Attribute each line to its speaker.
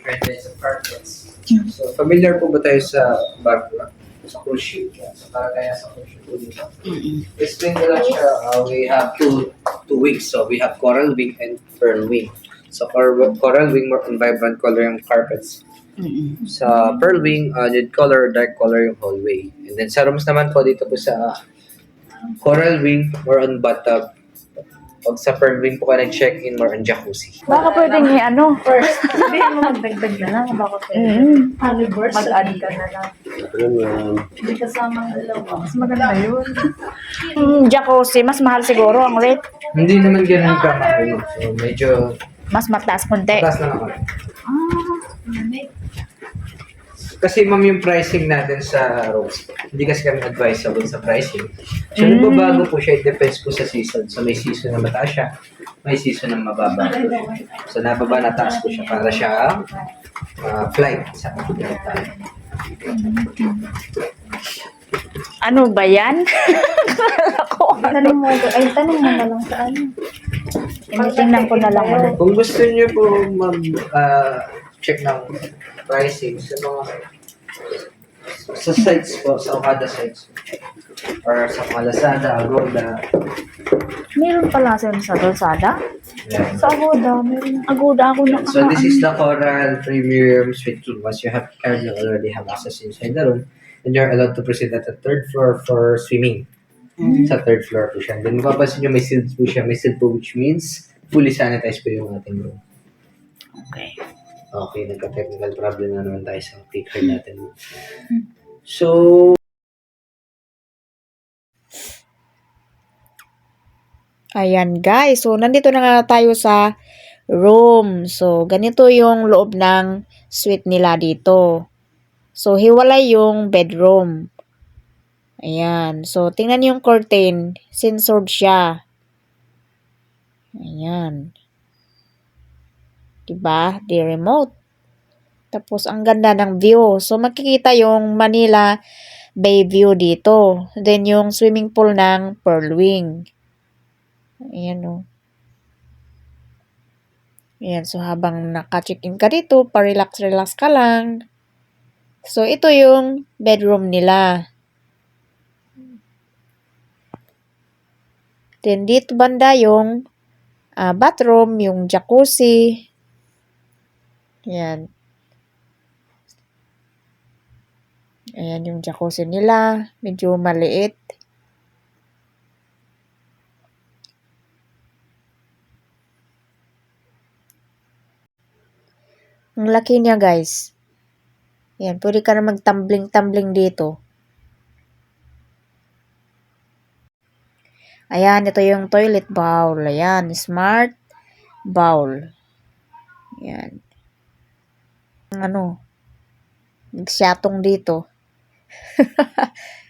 Speaker 1: different kinds of carpets. So, familiar po ba tayo sa Bagua? Sa cruise ship? Sa Paragaya sa cruise ship po dito. Explain ko lang siya, we have two wings. So, we have coral wing and pearl wing. So, coral wing, more on vibrant color yung carpets. Sa pearl wing, nude color, dark color yung hallway. And then sa rooms naman po dito po sa coral wing, more on bathtub. Pag sa pearl wing po ka nag-check-in, more on jacuzzi.
Speaker 2: Baka pwedeng i-ano.
Speaker 3: First, hindi mo magdagdag na lang. Bakit
Speaker 2: Mag-add
Speaker 3: mag-add
Speaker 2: ka na lang.
Speaker 3: Hindi kasama ang dalawa.
Speaker 2: Mas maganda yun. Jacuzzi, mas mahal siguro ang rate.
Speaker 1: Hindi naman ganun kamahal. So, medyo
Speaker 2: Mas mataas konti.
Speaker 1: taas lang ako. Kasi ma'am yung pricing natin sa rooms, hindi kasi kami advisable sa pricing. So nagbabago po siya, it depends po sa season. So may season na mataas siya, may season na mababa. So nababa na taas po siya para siya flight sa flight tayo.
Speaker 2: Ano ba yan?
Speaker 3: Tanong mo na lang sa ano.
Speaker 2: Tingnan ko na lang ulit.
Speaker 1: Kung gusto niyo po check ng pricing sa mga sa sites po, sa Okada sites or sa mga Lazada, Agoda.
Speaker 2: Meron pala sa Lazada?
Speaker 1: Yan.
Speaker 2: Sa Agoda, meron. Agoda ako na.
Speaker 1: So this is the Coral Premium Suite King. Once you have card, you already have access inside the room. And you're allowed to proceed at the third floor for swimming. Sa third floor po siya. Then mapapansin nyo may sealed po siya. May sealed po which means fully sanitized po yung ating room.
Speaker 2: Okay.
Speaker 1: Okay, nagka-technical problem na naman tayo sa ticker natin. So,
Speaker 2: Ayan guys, so nandito na nga tayo sa room. So ganito yung loob ng suite nila dito. So hiwalay yung bedroom. Ayan, so tingnan yung curtain, sensored siya. Ayan. Diba? Di remote. Tapos ang ganda ng view. So makikita yung Manila Bay view dito. Then yung swimming pool ng Pearl Wing. Ayan o. Ayan, so habang naka-check-in ka dito, pa-relax-relax ka lang. So, ito yung bedroom nila. Then, dito banda yung bathroom, yung jacuzzi. Ayan. Ayan yung jacuzzi nila. Medyo maliit. Ang laki niya, guys. Ayan, pwede ka na mag-tumbling-tumbling dito. Ayan, ito yung toilet bowl. Ayan, smart bowl. Ayan. Ano, nagsyatong dito.